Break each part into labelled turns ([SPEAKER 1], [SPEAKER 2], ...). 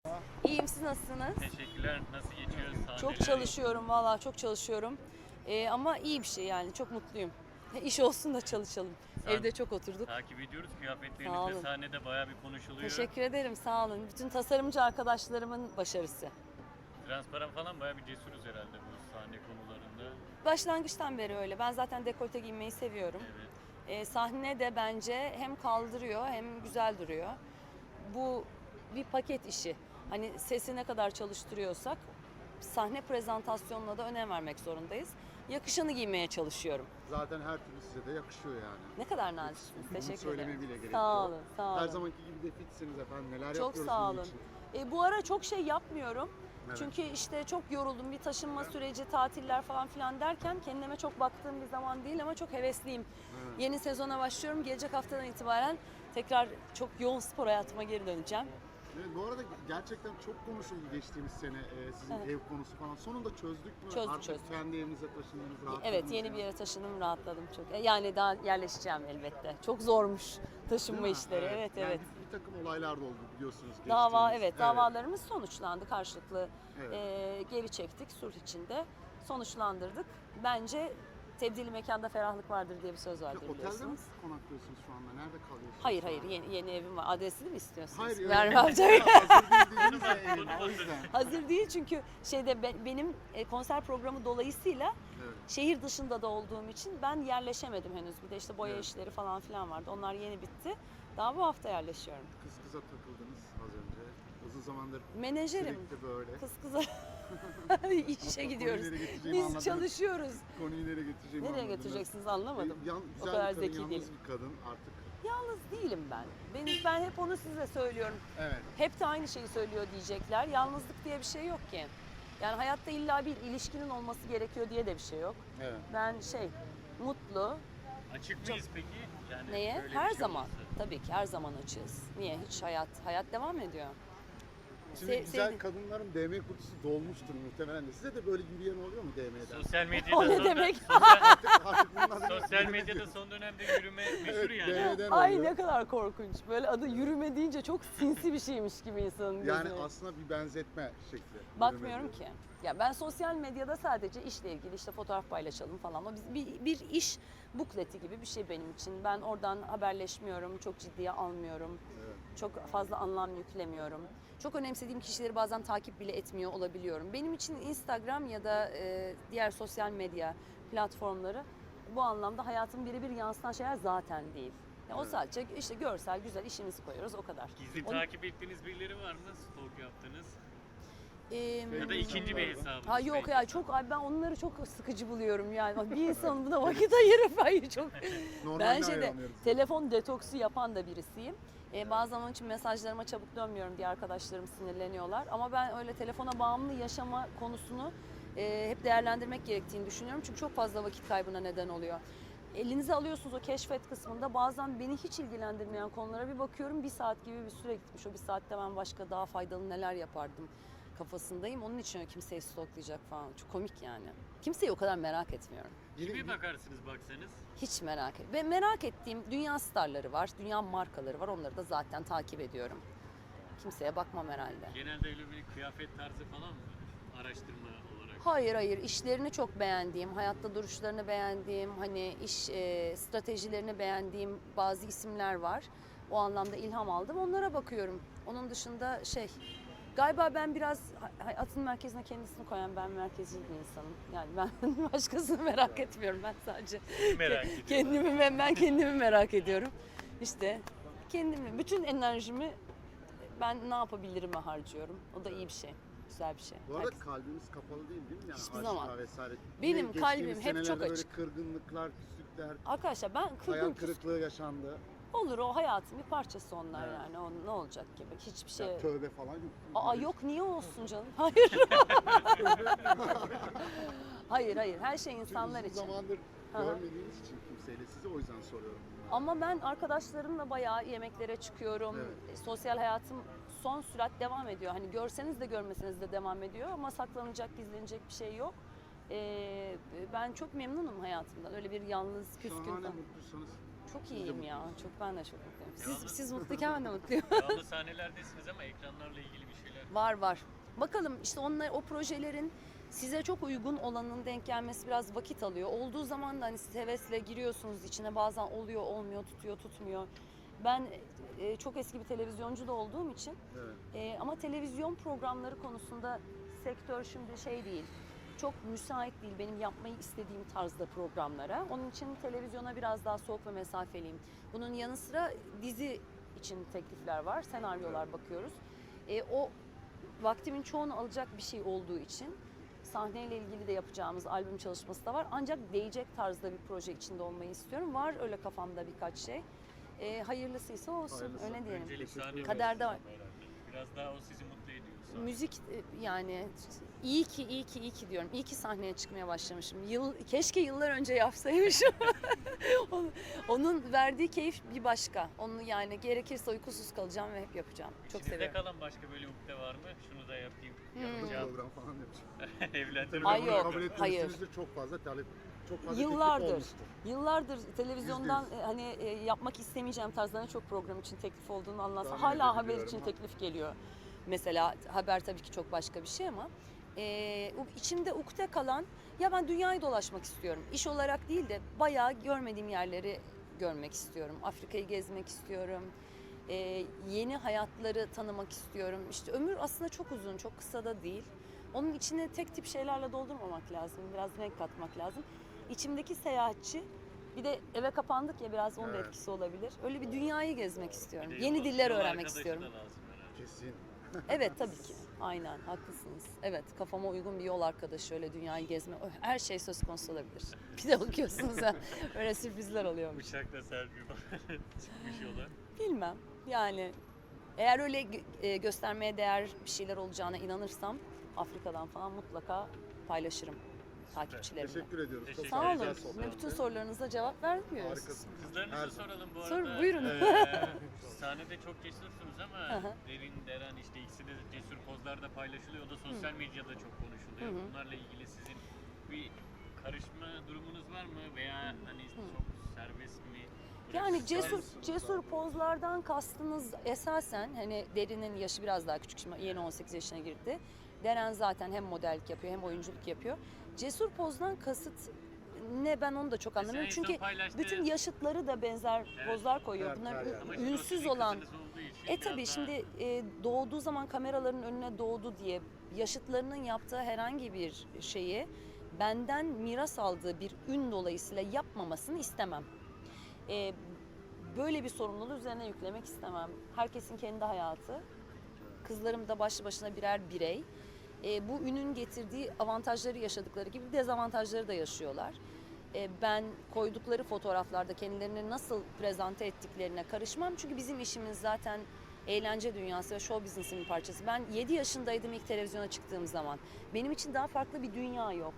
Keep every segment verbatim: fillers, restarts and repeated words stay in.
[SPEAKER 1] İyiyim, siz nasılsınız?
[SPEAKER 2] Teşekkürler. Nasıl geçiyor sahneler?
[SPEAKER 1] Çok çalışıyorum valla, çok çalışıyorum. Ee, ama iyi bir şey yani, çok mutluyum. İş olsun da çalışalım.
[SPEAKER 2] Sahne-
[SPEAKER 1] Evde çok oturduk.
[SPEAKER 2] Takip ediyoruz.
[SPEAKER 1] Sağ
[SPEAKER 2] Kıyafetleriniz
[SPEAKER 1] olun.
[SPEAKER 2] de sahnede bayağı bir konuşuluyor.
[SPEAKER 1] Teşekkür ederim, sağ olun. Bütün tasarımcı arkadaşlarımın başarısı.
[SPEAKER 2] Transparan falan bayağı bir cesuruz herhalde bu sahne konularında.
[SPEAKER 1] Başlangıçtan beri öyle. Ben zaten dekolte giymeyi seviyorum.
[SPEAKER 2] Evet.
[SPEAKER 1] Ee, sahne de bence hem kaldırıyor hem güzel duruyor. Bu bir paket işi. Hani sesi ne kadar çalıştırıyorsak sahne prezentasyonuna da önem vermek zorundayız. Yakışanı giymeye çalışıyorum.
[SPEAKER 3] Zaten her türlü size de yakışıyor yani.
[SPEAKER 1] Ne kadar naziksiniz.
[SPEAKER 3] Bunu
[SPEAKER 1] Teşekkür
[SPEAKER 3] söylemeye
[SPEAKER 1] ederim.
[SPEAKER 3] bile gerek
[SPEAKER 1] Sağ
[SPEAKER 3] yok.
[SPEAKER 1] olun, sağ olun.
[SPEAKER 3] Her zamanki gibi de fitsiniz efendim. Neler
[SPEAKER 1] Çok
[SPEAKER 3] yapıyoruz
[SPEAKER 1] sağ
[SPEAKER 3] bunun
[SPEAKER 1] olun.
[SPEAKER 3] için?
[SPEAKER 1] E, bu ara çok şey yapmıyorum.
[SPEAKER 3] Evet.
[SPEAKER 1] Çünkü işte çok yoruldum. Bir taşınma süreci, tatiller falan filan derken kendime çok baktığım bir zaman değil ama çok hevesliyim.
[SPEAKER 3] Evet.
[SPEAKER 1] Yeni sezona başlıyorum. Gelecek haftadan itibaren tekrar çok yoğun spor hayatıma geri döneceğim.
[SPEAKER 3] Evet, bu arada gerçekten çok konuşuldu geçtiğimiz sene e, sizin
[SPEAKER 1] Evet.
[SPEAKER 3] ev konusu falan. Sonunda çözdük mü?
[SPEAKER 1] Çözdük,
[SPEAKER 3] Artık
[SPEAKER 1] çözdük.
[SPEAKER 3] kendi evinize taşındınız, rahatladınız.
[SPEAKER 1] Evet, yeni
[SPEAKER 3] mı?
[SPEAKER 1] bir yere taşındım, rahatladım çok. E, Yani daha yerleşeceğim elbette. Çok zormuş taşınma
[SPEAKER 3] Değil mi?
[SPEAKER 1] işleri. Evet,
[SPEAKER 3] Yani
[SPEAKER 1] evet.
[SPEAKER 3] Bir, bir takım olaylar da oldu biliyorsunuz.
[SPEAKER 1] Dava,
[SPEAKER 3] geçtiğimiz-
[SPEAKER 1] evet, davalarımız sonuçlandı karşılıklı.
[SPEAKER 3] Evet.
[SPEAKER 1] e, geri çektik sulh içinde. Sonuçlandırdık. Bence tebdili mekanda ferahlık vardır diye bir söz vardır
[SPEAKER 3] Otelde mi
[SPEAKER 1] biliyorsunuz.
[SPEAKER 3] konaklıyorsunuz şu anda? Nerede kalıyorsunuz?
[SPEAKER 1] Hayır hayır yeni, yeni evim var. Adresini mi istiyorsunuz?
[SPEAKER 3] Hayır.
[SPEAKER 1] Vermem
[SPEAKER 3] öyle-
[SPEAKER 1] tabii.
[SPEAKER 3] Hazır değil dediniz ya evin, o yüzden.
[SPEAKER 1] Hazır değil çünkü şeyde be- benim e, konser programı dolayısıyla
[SPEAKER 3] Evet.
[SPEAKER 1] şehir dışında da olduğum için ben yerleşemedim henüz. Bir de işte boya
[SPEAKER 3] Evet.
[SPEAKER 1] işleri falan filan vardı. Onlar yeni bitti. Daha bu hafta yerleşiyorum.
[SPEAKER 3] Kız kıza takıldınız az önce. Uzun zamandır
[SPEAKER 1] Menajerim.
[SPEAKER 3] sürekli böyle.
[SPEAKER 1] Kız kıza işe gidiyoruz.
[SPEAKER 3] Konuyu nereye getireceğimi
[SPEAKER 1] Biz
[SPEAKER 3] anladınız.
[SPEAKER 1] çalışıyoruz.
[SPEAKER 3] Konuyu nereye getireceğimi
[SPEAKER 1] Nereye
[SPEAKER 3] anladınız.
[SPEAKER 1] getireceksiniz anlamadım.
[SPEAKER 3] E, Yan,
[SPEAKER 1] O
[SPEAKER 3] güzel
[SPEAKER 1] kadar
[SPEAKER 3] bir kadın,
[SPEAKER 1] zeki
[SPEAKER 3] yalnız
[SPEAKER 1] değilim.
[SPEAKER 3] bir kadın artık.
[SPEAKER 1] Yalnız değilim ben. ben. Ben hep onu size söylüyorum.
[SPEAKER 3] Evet.
[SPEAKER 1] Hep de aynı şeyi söylüyor diyecekler. Yalnızlık diye bir şey yok ki. Yani hayatta illa bir ilişkinin olması gerekiyor diye de bir şey yok.
[SPEAKER 3] Evet.
[SPEAKER 1] Ben şey, mutlu.
[SPEAKER 2] Açık mıyız peki? Yani
[SPEAKER 1] Neye?
[SPEAKER 2] böyle bir
[SPEAKER 1] Her
[SPEAKER 2] şey
[SPEAKER 1] zaman.
[SPEAKER 2] olursa.
[SPEAKER 1] Tabii ki her zaman açığız. Niye? Hiç hayat, hayat devam ediyor.
[SPEAKER 3] Şimdi
[SPEAKER 1] Se-
[SPEAKER 3] güzel
[SPEAKER 1] sevdi-
[SPEAKER 3] kadınların D M kutusu dolmuştur muhtemelen de. Size de böyle yürüyen oluyor mu D M'den?
[SPEAKER 2] Sosyal medyada
[SPEAKER 1] O ne
[SPEAKER 2] son,
[SPEAKER 1] demek?
[SPEAKER 3] Artık, artık bunlar
[SPEAKER 2] sosyal medyada son dönemde yürüme meşhur
[SPEAKER 3] Evet,
[SPEAKER 2] yani.
[SPEAKER 3] D M'den
[SPEAKER 1] Ay
[SPEAKER 3] oluyor.
[SPEAKER 1] ne kadar korkunç. Böyle adı yürüme deyince çok sinsi bir şeymiş gibi insanın gözüne.
[SPEAKER 3] Yani aslında bir benzetme şekli.
[SPEAKER 1] Bakmıyorum
[SPEAKER 3] Yürüme
[SPEAKER 1] ki. Ya ben sosyal medyada sadece işle ilgili işte fotoğraf paylaşalım falan. O biz- bir, bir iş bukleti gibi bir şey benim için. Ben oradan haberleşmiyorum, çok ciddiye almıyorum.
[SPEAKER 3] Evet.
[SPEAKER 1] Çok fazla anlam yüklemiyorum. Çok önemsediğim kişileri bazen takip bile etmiyor olabiliyorum. Benim için Instagram ya da e, diğer sosyal medya platformları bu anlamda hayatımın birebir yansıtan şeyler zaten değil. Ya o
[SPEAKER 3] Evet.
[SPEAKER 1] sadece işte görsel, güzel işimizi koyuyoruz o kadar.
[SPEAKER 2] Gizli
[SPEAKER 1] Onu-
[SPEAKER 2] takip ettiğiniz birileri var mı? Stalk yaptınız.
[SPEAKER 1] Ee,
[SPEAKER 2] Ya da ikinci bir hesabınız.
[SPEAKER 1] Ha yok
[SPEAKER 2] belki.
[SPEAKER 1] ya çok ay ben onları çok sıkıcı buluyorum yani. Bir insanın buna vakit ayırıp ay çok.
[SPEAKER 3] Normalde
[SPEAKER 1] Ben şeyde
[SPEAKER 3] ayarlanıyoruz.
[SPEAKER 1] telefon detoksu yapan da birisiyim. Ee, bazen onun için mesajlarıma çabuk dönmüyorum diye arkadaşlarım sinirleniyorlar. Ama ben öyle telefona bağımlı yaşama konusunu e, hep değerlendirmek gerektiğini düşünüyorum. Çünkü çok fazla vakit kaybına neden oluyor. Elinize alıyorsunuz o keşfet kısmında bazen beni hiç ilgilendirmeyen konulara bir bakıyorum. Bir saat gibi bir süre gitmiş. O bir saatte ben başka daha faydalı neler yapardım kafasındayım. Onun için öyle kimseyi stalklayacak falan. Çok komik yani. Kimseyi o kadar merak etmiyorum.
[SPEAKER 3] Yine-
[SPEAKER 2] Kimi bakarsınız baksanız?
[SPEAKER 1] Hiç merak et. Ve merak ettiğim dünya starları var, dünya markaları var. Onları da zaten takip ediyorum. Kimseye bakmam herhalde.
[SPEAKER 2] Genelde öyle bir kıyafet tarzı falan mı? Araştırma olarak.
[SPEAKER 1] Hayır hayır işlerini çok beğendiğim, hayatta duruşlarını beğendiğim, hani iş e, stratejilerini beğendiğim bazı isimler var. O anlamda ilham aldım. Onlara bakıyorum. Onun dışında şey galiba ben biraz hayatın merkezine kendisini koyan ben merkezci bir insanım. Yani ben başkasını merak etmiyorum. Ben sadece
[SPEAKER 2] Merak ediyorum.
[SPEAKER 1] kendimi ben, ben kendimi merak ediyorum. İşte kendimi, bütün enerjimi ben ne yapabilirime harcarıyorum. O da iyi bir şey. Güzel bir şey.
[SPEAKER 3] Bu arada
[SPEAKER 1] Herkes-
[SPEAKER 3] kalbimiz kapalı değil değil mi? Yani
[SPEAKER 1] Hiçbir
[SPEAKER 3] aşka
[SPEAKER 1] zaman.
[SPEAKER 3] Vesaire.
[SPEAKER 1] Benim
[SPEAKER 3] Yine
[SPEAKER 1] kalbim
[SPEAKER 3] geçtiğimiz
[SPEAKER 1] hep çok
[SPEAKER 3] senelerde
[SPEAKER 1] açık.
[SPEAKER 3] Böyle kırgınlıklar, küslükler,
[SPEAKER 1] Arkadaşlar ben
[SPEAKER 3] hayal
[SPEAKER 1] kırgın küs
[SPEAKER 3] kırıklığı yaşandı.
[SPEAKER 1] olur o hayatın bir parçası onlar
[SPEAKER 3] Evet.
[SPEAKER 1] yani. O ne olacak gibi. Hiçbir şey.
[SPEAKER 3] Ya, tövbe falan yok.
[SPEAKER 1] Aa yok niye olsun canım? Hayır. hayır hayır her şey
[SPEAKER 3] Çünkü
[SPEAKER 1] insanlar
[SPEAKER 3] uzun
[SPEAKER 1] için.
[SPEAKER 3] zamandır
[SPEAKER 1] Hı hı.
[SPEAKER 3] görmediğiniz için kimseyle size o yüzden soruyorum. bunları.
[SPEAKER 1] Ama ben arkadaşlarımla bayağı yemeklere çıkıyorum.
[SPEAKER 3] Evet.
[SPEAKER 1] E, Sosyal hayatım son sürat devam ediyor. Hani görseniz de görmeseniz de devam ediyor ama saklanacak, gizlenecek bir şey yok. Ee, ben çok memnunum hayatımdan. Öyle bir yalnız, küskün
[SPEAKER 3] Şahane
[SPEAKER 1] falan.
[SPEAKER 3] mutlusunuz.
[SPEAKER 1] Çok iyiyim ya. Çok ben de çok mutluyum. Siz,
[SPEAKER 2] Devamlı-
[SPEAKER 1] siz mutluyken ben de mutluyum.
[SPEAKER 2] Devamlı sahnelerdesiniz ama ekranlarla ilgili bir şeyler.
[SPEAKER 1] Var var. Bakalım işte onlar o projelerin size çok uygun olanın denk gelmesi biraz vakit alıyor. Olduğu zaman da hani siz hevesle giriyorsunuz içine, bazen oluyor, olmuyor, tutuyor, tutmuyor. Ben e, çok eski bir televizyoncu da olduğum için
[SPEAKER 3] Evet.
[SPEAKER 1] e, ama televizyon programları konusunda sektör şimdi şey değil. Çok müsait değil benim yapmayı istediğim tarzda programlara. Onun için televizyona biraz daha soğuk ve mesafeliyim. Bunun yanı sıra dizi için teklifler var, senaryolar bakıyoruz. E, o vaktimin çoğunu alacak bir şey olduğu için sahneyle ilgili de yapacağımız albüm çalışması da var. Ancak değecek tarzda bir proje içinde olmayı istiyorum. Var öyle kafamda birkaç şey. E, hayırlısıysa olsun,
[SPEAKER 3] Hayırlısı.
[SPEAKER 1] öyle diyelim.
[SPEAKER 2] Öncelik sahne
[SPEAKER 1] Kaderde var.
[SPEAKER 2] versiyonu herhalde. Biraz daha o sizi mutlu ediyor. sahne.
[SPEAKER 1] Müzik e, yani iyi ki iyi ki iyi ki diyorum. İyi ki sahneye çıkmaya başlamışım. Yıl, keşke yıllar önce yapsaymışım. Onun- Onun verdiği keyif bir başka. Onu yani gerekirse uykusuz kalacağım ve hep yapacağım. Çok
[SPEAKER 2] İçinizde
[SPEAKER 1] seviyorum.
[SPEAKER 2] kalan başka böyle ukde var mı? Şunu da yapayım.
[SPEAKER 1] Hmm.
[SPEAKER 2] Yapacağım.
[SPEAKER 3] Program falan demiş.
[SPEAKER 2] Evlendirme
[SPEAKER 1] Ay
[SPEAKER 3] Tabii
[SPEAKER 1] yok,
[SPEAKER 3] kabul
[SPEAKER 1] hayır.
[SPEAKER 3] etmemişsinizdir, çok fazla talep, çok fazla teklif
[SPEAKER 1] Yıllardır,
[SPEAKER 3] olmuştur.
[SPEAKER 1] yıllardır televizyondan
[SPEAKER 3] Yüzde
[SPEAKER 1] e, hani e, yapmak istemeyeceğim tarzlarına çok program için teklif olduğunu anlatsam.
[SPEAKER 3] Tahmin
[SPEAKER 1] Hala haber
[SPEAKER 3] edebiliyorum
[SPEAKER 1] için
[SPEAKER 3] ha.
[SPEAKER 1] teklif geliyor. Mesela haber tabii ki çok başka bir şey ama e, o içimde ukde kalan ya ben dünyayı dolaşmak istiyorum. İş olarak değil de bayağı görmediğim yerleri görmek istiyorum. Afrika'yı gezmek istiyorum. E, yeni hayatları tanımak istiyorum. İşte ömür aslında çok uzun, çok kısa da değil. Onun içine tek tip şeylerle doldurmamak lazım. Biraz renk katmak lazım. İçimdeki seyahatçi, bir de eve kapandık ya biraz onun da
[SPEAKER 3] Evet.
[SPEAKER 1] etkisi olabilir. Öyle bir dünyayı gezmek istiyorum.
[SPEAKER 2] Bir de
[SPEAKER 1] Yeni
[SPEAKER 2] yol-
[SPEAKER 1] diller
[SPEAKER 2] yol
[SPEAKER 1] öğrenmek
[SPEAKER 2] arkadaşı
[SPEAKER 1] istiyorum.
[SPEAKER 2] da lazım herhalde.
[SPEAKER 3] Kesin.
[SPEAKER 1] Evet tabii ki. Aynen haklısınız. Evet kafama uygun bir yol arkadaşı öyle dünyayı gezme. Her şey söz konusu olabilir. Bir de bakıyorsunuz ya öyle sürprizler oluyormuş.
[SPEAKER 2] Bıçakla Serpil çıkmış yola.
[SPEAKER 1] Bilmem yani eğer öyle gö- e, göstermeye değer bir şeyler olacağına inanırsam Afrika'dan falan mutlaka paylaşırım takipçilerimle.
[SPEAKER 3] Teşekkür ediyoruz. Çok
[SPEAKER 2] Teşekkür
[SPEAKER 1] Sağ
[SPEAKER 2] ederiz.
[SPEAKER 1] olun.
[SPEAKER 3] güzel sohbetti.
[SPEAKER 1] Bütün sorularınıza cevap vermiyoruz.
[SPEAKER 3] Harikasınız. Her
[SPEAKER 2] Kızlarınızı
[SPEAKER 3] zaman.
[SPEAKER 2] soralım bu
[SPEAKER 1] Sor,
[SPEAKER 2] arada.
[SPEAKER 1] buyurun.
[SPEAKER 2] Ee, sahnede çok cesursunuz ama
[SPEAKER 1] Hı hı.
[SPEAKER 2] Derin, Deren işte ikisi de cesur pozlarda paylaşılıyor. O da sosyal medyada çok konuşuluyor.
[SPEAKER 1] Hı hı.
[SPEAKER 2] Bunlarla ilgili sizin bir karışma durumunuz var mı? Veya hani çok serbest mi?
[SPEAKER 1] Yani
[SPEAKER 2] Biraz
[SPEAKER 1] cesur
[SPEAKER 3] Güzel.
[SPEAKER 1] cesur pozlardan kastınız esasen hani Derin'in yaşı biraz daha küçük, şimdi yeni on sekiz yaşına girdi. Deren zaten hem modellik yapıyor hem oyunculuk yapıyor. Cesur pozdan kasıt ne, ben onu da çok
[SPEAKER 2] Mesela
[SPEAKER 1] anlamıyorum.
[SPEAKER 2] en son
[SPEAKER 1] Çünkü
[SPEAKER 2] paylaştığı-
[SPEAKER 1] bütün yaşıtları da benzer
[SPEAKER 2] Evet.
[SPEAKER 1] pozlar koyuyor.
[SPEAKER 3] Her-
[SPEAKER 1] Bunlar
[SPEAKER 3] her
[SPEAKER 1] ü-
[SPEAKER 3] yerde.
[SPEAKER 2] Ama şimdi o
[SPEAKER 1] ünsüz
[SPEAKER 2] sizin
[SPEAKER 1] olan.
[SPEAKER 2] kızınız olduğu için
[SPEAKER 1] E
[SPEAKER 2] biraz
[SPEAKER 1] tabii
[SPEAKER 2] daha-
[SPEAKER 1] şimdi e, doğduğu zaman kameraların önüne doğdu diye yaşıtlarının yaptığı herhangi bir şeyi benden miras aldığı bir ün dolayısıyla yapmamasını istemem. E, böyle bir sorumluluğu üzerine yüklemek istemem. Herkesin kendi hayatı. Kızlarım da başlı başına birer birey. E, bu ünün getirdiği avantajları yaşadıkları gibi dezavantajları da yaşıyorlar. E, ben koydukları fotoğraflarda kendilerini nasıl prezente ettiklerine karışmam. Çünkü bizim işimiz zaten eğlence dünyası ve show business'ın bir parçası. Ben yedi yaşındaydım ilk televizyona çıktığım zaman. Benim için daha farklı bir dünya yok.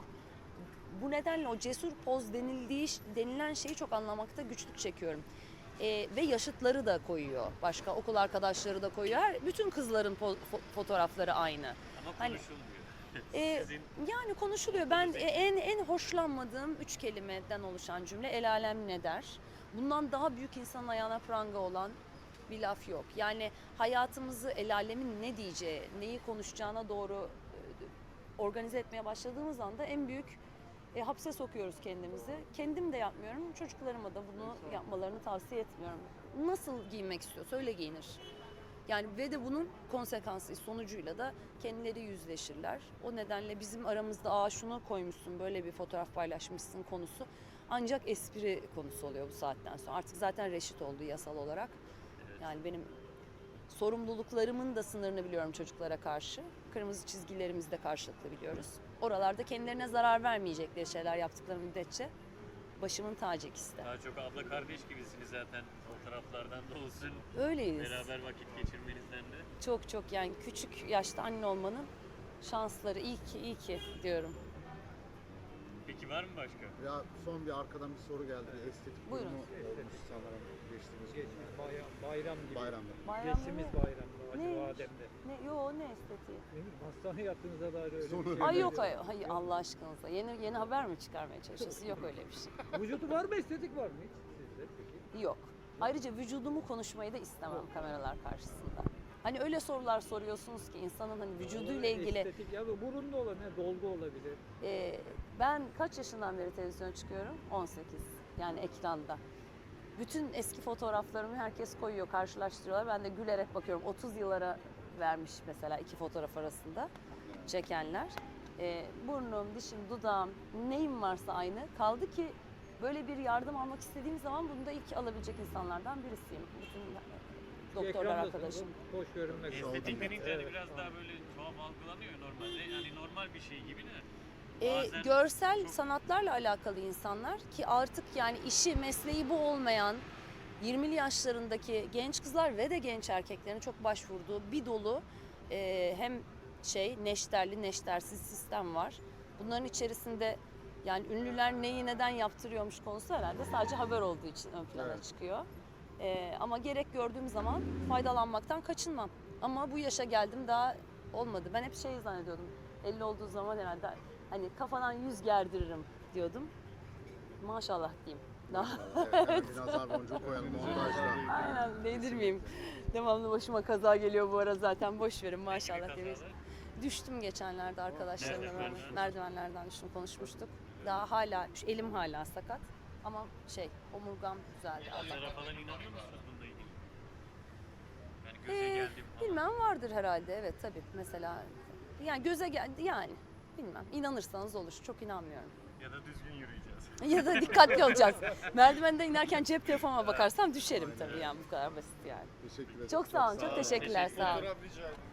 [SPEAKER 1] Bu nedenle o cesur poz denildiği denilen şeyi çok anlamakta güçlük çekiyorum. Ee, ve yaşıtları da koyuyor. Başka okul arkadaşları da koyuyor. Her, bütün kızların po- fo- fotoğrafları aynı.
[SPEAKER 2] Ama
[SPEAKER 1] hani-
[SPEAKER 2] konuşulmuyor.
[SPEAKER 1] Ee,
[SPEAKER 2] Sizin
[SPEAKER 1] yani konuşuluyor. Ben e, en en hoşlanmadığım üç kelimeden oluşan cümle el alem ne der. Bundan daha büyük insanın ayağına pranga olan bir laf yok. Yani hayatımızı el alemin ne diyeceği, neyi konuşacağına doğru e, organize etmeye başladığımız anda en büyük e, hapse sokuyoruz kendimizi. Kendim de yapmıyorum. Çocuklarıma da bunu yapmalarını tavsiye etmiyorum. Nasıl giyinmek istiyorsa öyle giyinir. Yani ve de bunun konsekansı sonucuyla da kendileri yüzleşirler. O nedenle bizim aramızda aa şunu koymuşsun, böyle bir fotoğraf paylaşmışsın konusu ancak espri konusu oluyor bu saatten sonra. Artık zaten reşit oldu yasal olarak. Yani benim sorumluluklarımın da sınırını biliyorum çocuklara karşı. Kırmızı çizgilerimizi de karşılıklı biliyoruz. Oralarda kendilerine zarar vermeyecekleri şeyler yaptıkları müddetçe başımın tacı ikisi de.
[SPEAKER 2] daha çok abla kardeş gibisiniz zaten fotoğraflardan da olsun.
[SPEAKER 1] Öyleyiz.
[SPEAKER 2] Beraber vakit geçirmenizden de.
[SPEAKER 1] Çok çok yani küçük yaşta anne olmanın şansları iyi ki iyi ki diyorum.
[SPEAKER 2] Peki var mı başka?
[SPEAKER 3] Ya son bir arkadan bir soru geldi. Bir estetik
[SPEAKER 1] Buyurun.
[SPEAKER 3] durumu olmuş sanırım geçtiğimiz gün.
[SPEAKER 4] Geçmiş bayram, bayram gibi.
[SPEAKER 3] Bayramda.
[SPEAKER 1] Bayramda
[SPEAKER 4] Geçtiğimiz
[SPEAKER 1] ne?
[SPEAKER 4] bayramda
[SPEAKER 1] Neymiş?
[SPEAKER 4] Acıbadem'de.
[SPEAKER 1] Ne, yo ne estetiği?
[SPEAKER 4] Ne bileyim, hastane yattığınızda dair öyle
[SPEAKER 3] Sonra-
[SPEAKER 4] bir şey.
[SPEAKER 1] Ay yok
[SPEAKER 4] var.
[SPEAKER 1] ay, hayır Allah aşkınıza. Yeni yeni haber mi çıkarmaya çalışıyorsun? Yok öyle bir şey.
[SPEAKER 4] Vücudu var mı, estetik var mı hiç sizde? midir peki?
[SPEAKER 1] Yok. Ayrıca vücudumu konuşmayı da istemem kameralar karşısında. Hani öyle sorular soruyorsunuz ki insanın hani vücuduyla ilgili.
[SPEAKER 4] Estetik ya da burunda olan ne dolgu olabilir.
[SPEAKER 1] Ee, ben kaç yaşından beri televizyona çıkıyorum? on sekiz. Yani ekranda. Bütün eski fotoğraflarımı herkes koyuyor, karşılaştırıyorlar. Ben de gülerek bakıyorum. otuz yıllara vermiş mesela iki fotoğraf arasında çekenler. Ee, burnum, dişim, dudağım, neyim varsa aynı. Kaldı ki böyle bir yardım almak istediğim zaman bunu da ilk alabilecek insanlardan birisiyim. Bütün doktorlar
[SPEAKER 4] Ekrandasınız,
[SPEAKER 1] arkadaşım.
[SPEAKER 4] hoş görünmek
[SPEAKER 3] Estetik
[SPEAKER 2] Estetik
[SPEAKER 3] Evet,
[SPEAKER 2] denince hani
[SPEAKER 4] evet,
[SPEAKER 2] biraz
[SPEAKER 4] tamam.
[SPEAKER 2] daha böyle tuhaf algılanıyor normalde. Yani normal bir şey gibi de.
[SPEAKER 1] Ee,
[SPEAKER 2] Bazen
[SPEAKER 1] görsel
[SPEAKER 2] çok-
[SPEAKER 1] sanatlarla alakalı insanlar ki artık yani işi, mesleği bu olmayan yirmili yaşlarındaki genç kızlar ve de genç erkeklerin çok başvurduğu bir dolu e, hem şey neşterli neştersiz sistem var. Bunların içerisinde yani ünlüler neyi neden yaptırıyormuş konusu herhalde sadece haber olduğu için ön plana
[SPEAKER 3] Evet.
[SPEAKER 1] çıkıyor. E, ama gerek gördüğüm zaman faydalanmaktan kaçınmam. Ama bu yaşa geldim daha olmadı. Ben hep şey zannediyordum. elli olduğu zaman herhalde hani kafadan yüz gerdiririm diyordum. Maşallah diyeyim. Daha
[SPEAKER 3] Evet, hemen bir nazar boncuğu koyalım montajda.
[SPEAKER 1] aynen değdirmeyeyim. Devamlı başıma kaza geliyor bu ara zaten. Boş verin maşallah
[SPEAKER 2] Peki bir
[SPEAKER 1] diyeyim.
[SPEAKER 2] kazalar?
[SPEAKER 1] Düştüm geçenlerde arkadaşlarımla
[SPEAKER 2] Nereden?
[SPEAKER 1] beraber. Merdivenlerden düştüm, konuşmuştuk. Daha hala, şu elim hala sakat. Ama şey, omurgam düzeldi.
[SPEAKER 2] Yazara
[SPEAKER 1] Allah'tan.
[SPEAKER 2] falan inanıyor musunuz bununla ilgili? Yani göze
[SPEAKER 1] Ee,
[SPEAKER 2] geldim falan.
[SPEAKER 1] bilmem vardır herhalde, evet tabii. Mesela yani göze geldi yani. Bilmem. İnanırsanız olur. Çok inanmıyorum.
[SPEAKER 2] Ya da düzgün yürüyeceğiz.
[SPEAKER 1] Ya da dikkatli olacağız. Merdivenden inerken cep telefonuma bakarsam düşerim tabii yani bu kadar basit yani.
[SPEAKER 3] Teşekkür ederim.
[SPEAKER 1] Çok sağ olun, çok teşekkürler, sağ olun.
[SPEAKER 3] Fotoğraf rica ederim.